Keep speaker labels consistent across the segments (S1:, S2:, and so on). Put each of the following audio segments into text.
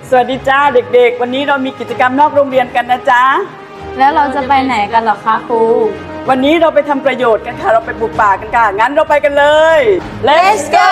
S1: สวัสดีจ้าเด็กๆวันนี้เรามีกิจกรรมนอกโรงเรียนกันนะจ๊ะ
S2: แล้วเราจะไปไหนกันหรอคะครู
S1: วันนี้เราไปทำประโยชน์กันค่ะเราไปปลูกป่ากันค่ะงั้นเราไปกันเลย
S2: Let's go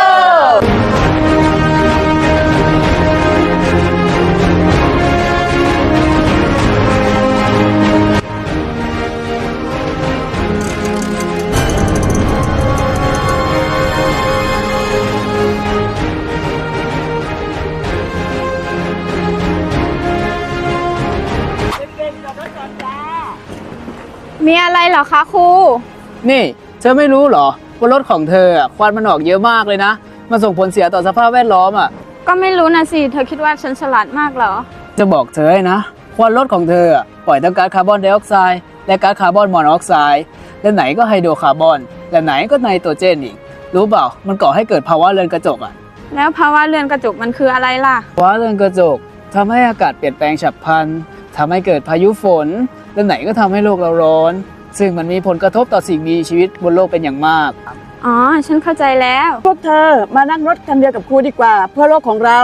S1: เด็กๆจอดรถก่อนจ้า
S2: มีอะไรเหรอคะครู
S3: นี่เธอไม่รู้เหรอว่ารถของเธอควันมันออกเยอะมากเลยนะมันส่งผลเสียต่อสภาพแวดล้อม
S2: ก็ไม่รู้นะสิเธอคิดว่าฉันฉลาดมากเหรอ
S3: จะบอกเธอให้นะควันรถของเธอปล่อยทั้งก๊าซคาร์บอนไดออกไซด์และก๊าซคาร์บอนมอนอกไซด์และไหนก็ไฮโดรคาร์บอนและไหนก็ไนโตรเจนอีกรู้เปล่ามันก่อให้เกิดภาวะเรือนกระจก
S2: แล้วภาวะเรือนกระจกมันคืออะไรล่ะ
S3: ภาวะเรือนกระจกทำให้อากาศเปลี่ยนแปลงฉับพลันทำให้เกิดพายุฝนและไหนก็ทำให้โลกเราร้อนซึ่งมันมีผลกระทบต่อสิ่งมีชีวิตบนโลกเป็นอย่างมาก
S2: อ๋อฉันเข้าใจแล้ว
S1: พวกเธอมานั่งรถคันเดียวกับครูดีกว่าเพื่อโลกของเรา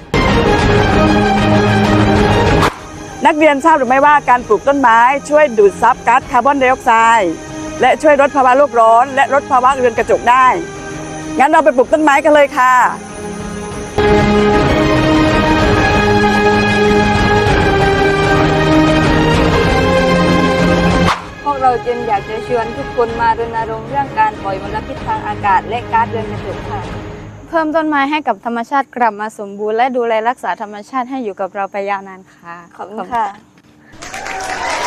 S1: นักเรียนทราบหรือไม่ว่าการปลูกต้นไม้ช่วยดูดซับก๊าซคาร์บอนไดออกไซด์และช่วยลดภาวะโลกร้อนและลดภาวะเรือนกระจกได้งั้นเราไปปลูกต้นไม้กันเลยค่ะ
S2: พวกเราจึงอยากจะชวนทุกคนมารณรงค์เรื่องการปล่อยมลพิษทางอากาศและก๊าซเรือนกระจกค่ะเพิ่มต้นไม้ให้กับธรรมชาติกลับมาสมบูรณ์และดูแลรักษาธรรมชาติให้อยู่กับเราไปยาวนานค่ะขอบคุณค่ะ